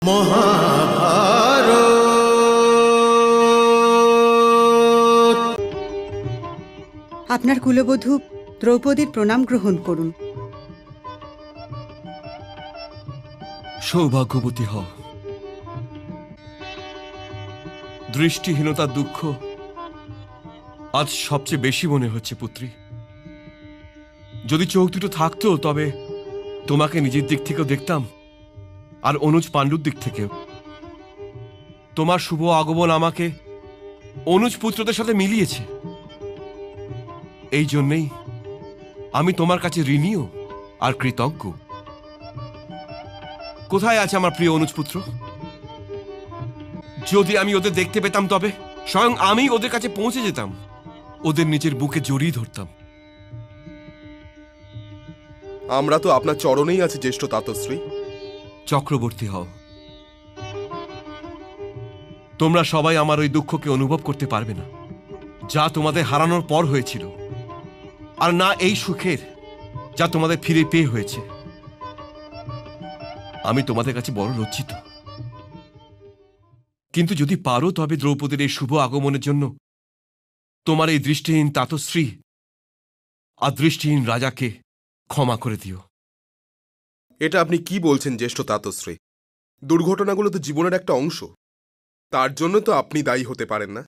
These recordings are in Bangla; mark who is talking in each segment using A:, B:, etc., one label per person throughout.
A: মহাভারত।
B: আপনার কুলবধূ দ্রৌপদীর প্রণাম গ্রহণ করুন।
C: সৌভাগ্যবতী হও। দৃষ্টিহীনতার দুঃখ আজ সবচেয়ে বেশি মনে হচ্ছে পুত্রী। যদি চোখ দুটো থাকতো তবে তোমাকে নিজের দিক থেকেও দেখতাম, আর অনুজ পাণ্ডুর দিক থেকেও। তোমার শুভ আগমন আমাকে অনুজ পুত্রদের সাথে মিলিয়েছে। এই জন্যেই আমি তোমার কাছে ঋণীও আর কৃতজ্ঞ। কোথায় আছে আমার প্রিয় অনুজ পুত্র? যদি আমি ওদের দেখতে পেতাম তবে স্বয়ং আমি ওদের কাছে পৌঁছে যেতাম, ওদের নিজের বুকে জড়িয়ে ধরতাম।
D: আমরা তো আপনার চরণেই আছি জ্যেষ্ঠ তাতশ্রী।
C: চক্রবর্তী হও। তোমরা সবাই আমার ওই দুঃখকে অনুভব করতে পারবে না যা তোমাদের হারানোর পর হয়েছিল, আর না এই সুখের যা তোমাদের ফিরে পেয়ে হয়েছে। আমি তোমাদের কাছে বড় লজ্জিত। কিন্তু যদি পারো তবে দ্রৌপদীর এই শুভ আগমনের জন্য তোমার এই দৃষ্টিহীন তাতশ্রী আর দৃষ্টিহীন রাজাকে ক্ষমা করে দিও।
D: এটা আপনি কি বলছেন জ্যেষ্ঠ তাতশ্রী? দুর্ঘটনাগুলো তো জীবনের একটা অংশ, তার জন্য তো আপনি দায়ী হতে পারেন না।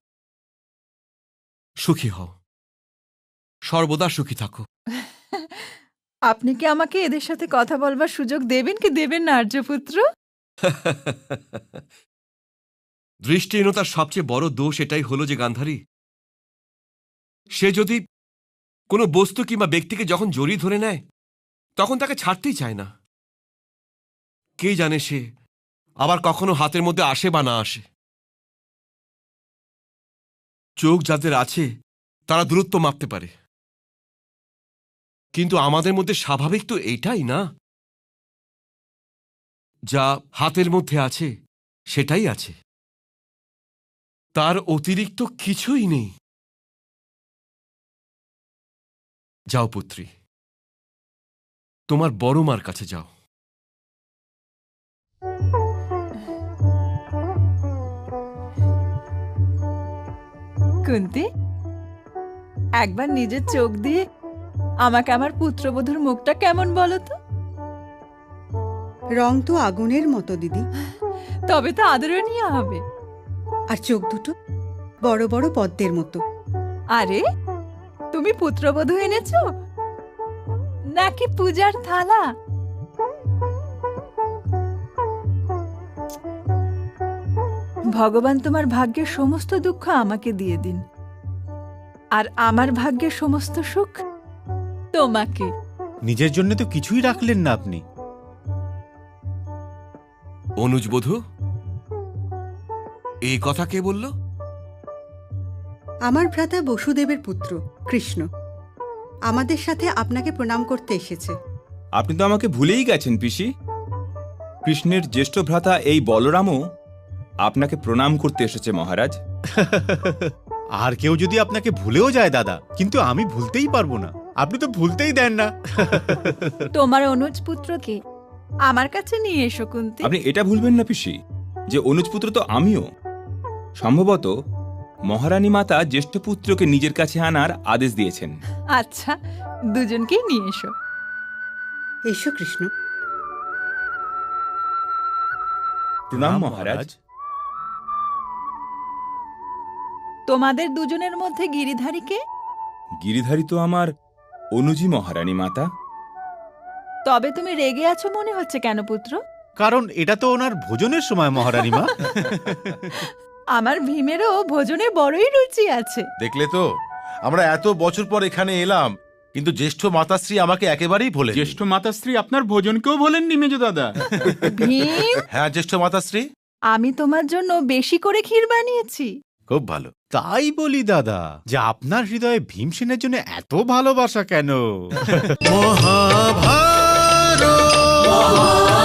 C: সুখী হও, সর্বদা সুখী থাকো।
E: আপনি কি আমাকে এদের সাথে কথা বলবার সুযোগ দেবেন কি দেবেন না আর্যপুত্র?
C: দৃষ্টিহীনতার সবচেয়ে বড় দোষ এটাই হলো যে গান্ধারী, সে যদি কোনো বস্তু কিংবা ব্যক্তিকে যখন জড়িয়ে ধরে নেয় তখন তাকে ছাড়তেই চায় না। কে জানে সে আবার কখনো হাতের মধ্যে আসে বা না আসে। চোখ যাদের আছে তারা দূরত্ব মাপতে পারে, কিন্তু আমাদের মধ্যে স্বাভাবিক তো এইটাই না। যা হাতের মধ্যে আছে সেটাই আছে, তার অতিরিক্ত কিছুই নেই। যাও পুত্রী, তোমার বড় মার কাছে যাও।
E: কুন্তি, একবার নিজের চোখ দিয়ে আমাকে আমার পুত্রবধূর মুখটা কেমন বলো তো?
B: রং তো আগুনের মতো দিদি,
E: তবে তো আদরণীয় হবে।
B: আর চোখ দুটো বড় বড় পদ্মের মতো।
E: আরে, তুমি পুত্রবধূ এনেছো নাকি পূজার থালা? ভগবান তোমার ভাগ্যের সমস্ত দুঃখ আমাকে দিয়ে দিন, আর আমার ভাগ্যের সমস্ত সুখ তোমাকে।
A: নিজের জন্য তো কিছুই রাখলেন না আপনি।
C: অনুজ বধূ, এই কথা কে বলল?
B: আমার ভ্রাতা বসুদেবের পুত্র কৃষ্ণ আমাদের সাথে আপনাকে প্রণাম করতে এসেছে।
F: আপনি তো আমাকে ভুলেই গেছেন পিসি। কৃষ্ণের জ্যেষ্ঠ ভ্রাতা এই বলরামও আপনাকে প্রণাম করতে এসেছে মহারাজ।
A: আর কেউ যদি আপনাকে ভুলেও যায় দাদা, কিন্তু আমি ভুলতেই পারবো না। আপনি তো ভুলতেই দেন না।
E: তোমার অনুজ পুত্রকে আমার কাছে নিয়ে এসো কুন্তি।
F: আপনি এটা ভুলবেন না পিসি যে অনুজপুত্র তো আমিও। সম্ভবত মহারানী মাতা জ্যেষ্ঠ পুত্রকে নিজের কাছে আনার আদেশ দিয়েছেন।
E: আচ্ছা, দুজনকেই নিয়ে এসো।
B: এসো কৃষ্ণ।
F: প্রণাম মহারাজ।
E: তোমাদের দুজনের মধ্যে গিরিধারীকে?
F: গিরিধারী তো আমার অনুজি মহারানী মাতা।
E: তবে তুমি রেগে আছো মনে হচ্ছে কেন পুত্র?
A: কারণ এটা তো ওনার ভোজনের সময় মহারানী মা।
E: আমার ভীমেরও ভোজনে বড়ই রুচি আছে।
G: দেখলে তো, আমরা এত বছর পর এখানে এলাম, কিন্তু জ্যেষ্ঠ মাতাশ্রী আমাকে একেবারেই ভোলেন।
H: জ্যেষ্ঠ মাতাশ্রী আপনার ভোজনকেও ভোলেননি মেজ দাদা।
E: ভীম,
G: হ্যাঁ জ্যেষ্ঠ মাতাশ্রী,
E: আমি তোমার জন্য বেশি করে ক্ষীর বানিয়েছি।
G: খুব ভালো।
A: তাই বলি দাদা, যে আপনার হৃদয়ে ভীমসেনের জন্য এত ভালোবাসা কেন?
D: মহাভারত।